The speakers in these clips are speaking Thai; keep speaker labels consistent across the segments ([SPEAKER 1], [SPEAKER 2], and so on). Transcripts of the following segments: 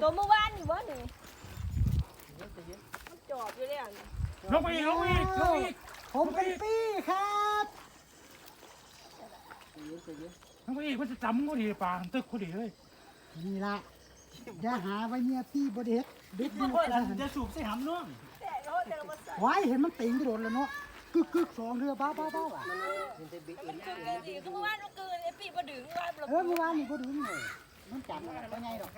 [SPEAKER 1] เมื่อวานนี่บ่นี่มันจอบอยู่แล้วนี่
[SPEAKER 2] ลงไปอีก
[SPEAKER 3] ผมเป็นปี้ครับ
[SPEAKER 2] ลงไปอีกมันจะจำก็ดีปลาตึกก็ดีเลย
[SPEAKER 3] นี่ละอย่าหาไว้เนี่ยพี่บดเฮ็ดเด็ดดู
[SPEAKER 2] จะสูบใส่หำน้อง
[SPEAKER 3] ไว้เห็นมันติงกระโดดแล้วเนาะกึกสองเรือบ้าอ่ะ
[SPEAKER 1] คือเมื่อวานมันเกินไอ้ปีบ่ดึงว่าบ่
[SPEAKER 3] เมื่อวานนี่บ่ดึงเลยมันจับได้ไงดอก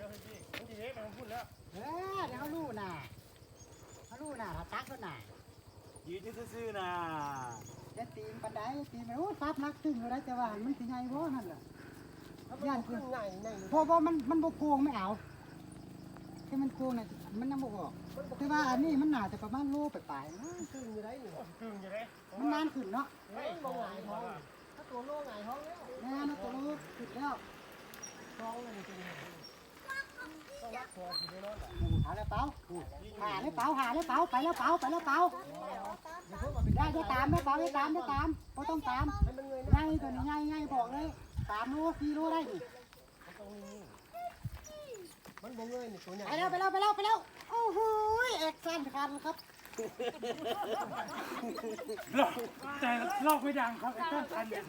[SPEAKER 3] เดี๋ยวรู้น่ะถ้าตักก็น่ะ
[SPEAKER 2] ยืนซื่อๆนะ
[SPEAKER 3] จะตีนปันไดตีนมันโอ้ซับนักตึงเลยแต่ว่ามันสิไงบ่นั่นแหละย่านคือเพราะว่ามันบ่โกงไม่เอาที่มันโกงน่ะมันยังบ่ออกแต่ว่าอันนี้มันน่าจะประมาณโลปลายๆนะตึงอยู่ได้นี่มันนานขึ้นเนาะบ่หงายท้องถ้าตัวโลหงายท้องแล้วแน่นะตัวโลขึ้นแล้วท้องเลยจริงหาแล้วเปล่าไปแล้วเปล่าได้ตามไม่ตามก็ต้องตามง่ายตัวนี้ง่ายบอกเลย3 โล 4 โลได้ดิมันบ่เงยนี่ตัวใหญ่ไปแล้วโอ้โหแอคชั่นคันครับ
[SPEAKER 2] แต่ลอกไม่ดังครับไอ้ต้นคันเนี่ย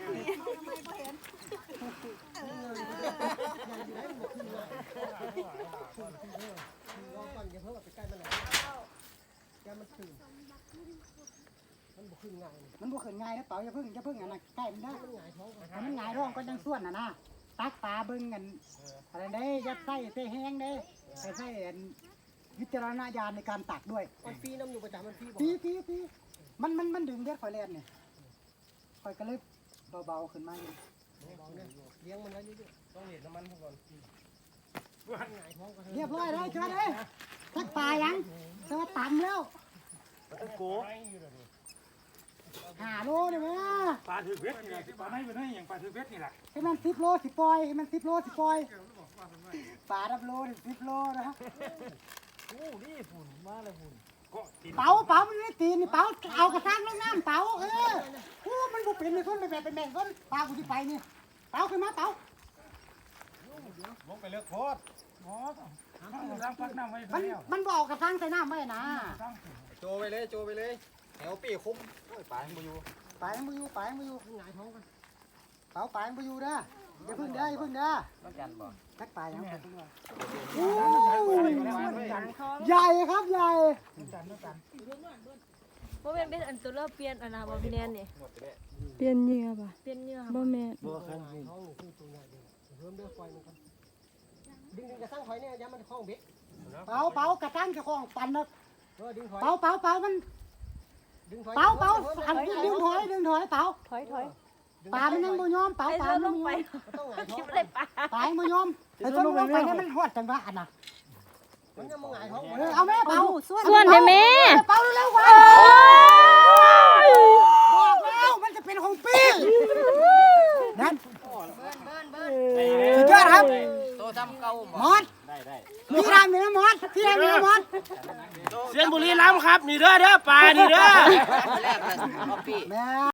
[SPEAKER 3] มันบ่ขึ้นง่ายนะเปล่าอย่าเพิ่งอันนั้นใกล้มันได้มันหงายท้องก็ยังส่วนนะตักปลาเบิ่งกันอะไรได้ยัดไส้เตะแห้งได้ใส่วิจารณญาณในการตักด้วยมันฟรีน้ำอยู่ประจำมันฟรีมันดึงเด็ดข่อยแลนเนี่ยข่อยก็เลยเบาขึ้นมาอยู่เลี้ยงมันได้เรื่อยๆต้องเห็นน้ำมันก่อนเรียบร้อยเลยจ้าเลยตักปลายังแต่ว่าต่ำแล้ว
[SPEAKER 2] โก
[SPEAKER 3] 5 โลได้ไหม
[SPEAKER 2] ปลาถือเวทนี่แหละปลาไม่เป็นไรอย่างปลาถือเวทนี่แหละ
[SPEAKER 3] ให้มัน10 โลสิปล่อยปลา10 โล10 โลนะ
[SPEAKER 2] นี่ฝุ่นมาเลยฝุ่น
[SPEAKER 3] เป๋ามันไม่ตีนี่เป๋าเอากระซังลงน้ำเป๋ามันบุกเป็นในคนเป็นแบ่งคนปลากูที่ไปนี่เป๋าขึ้นมาเป๋า
[SPEAKER 2] ลงไปเลือกโคตรล้างพักน้ำไว้
[SPEAKER 3] มันบอกกระซังใส่น้ำไว้นะ
[SPEAKER 4] โจไปเลยแถวปีคุ้มปลายังมาอยู่
[SPEAKER 3] หงายท้องกันเป๋าปลายังมาอยู่เด้ออย่าพึ่งเด้อ
[SPEAKER 4] ต้องกันบ่
[SPEAKER 3] ทักปลายังใหญ่ครับใหญ่
[SPEAKER 1] บ่แม่นเป็นอันตัวเราเปลี่ยนอันน่ะบ่พี่แนนนี่
[SPEAKER 5] เปลี่ยนเหยื่อป่ะบ่แม่น
[SPEAKER 3] ท้องคือตัวใหญ่เริ่มด้วยไฟมันกันดึงกระซังหอยเนี่ยย้ำมันคล้องเบ็ดเป๋ากระซังจะคล้องปั่นนะเป๋ามันเป๋าอันนี้ดึงถอยเป๋า
[SPEAKER 5] ถอย
[SPEAKER 3] ปลามันยังบ่ยอมเป๋าปลามัน
[SPEAKER 1] ไปคลิปเลย
[SPEAKER 3] ปลาบ่ยอมไอ้ต้นลงไปเนี่ยมันหดจังหวะอันน่ะมันยังบ่หงายท้องเอาแม่เป๋า
[SPEAKER 5] ส่วนให้แม่
[SPEAKER 3] เป๋าเร็วๆว่าบอกแล้วมันจะเป็นของปี้นั่นสุดยอดครับ
[SPEAKER 4] โตทำเก่าม
[SPEAKER 3] อสได้พี่ทำเนี่ยมอสเ
[SPEAKER 2] สียนบุรีรัมย์ครับนี่เด้อปลานี่เด้อ
[SPEAKER 4] แรกเลยพี่
[SPEAKER 3] แม่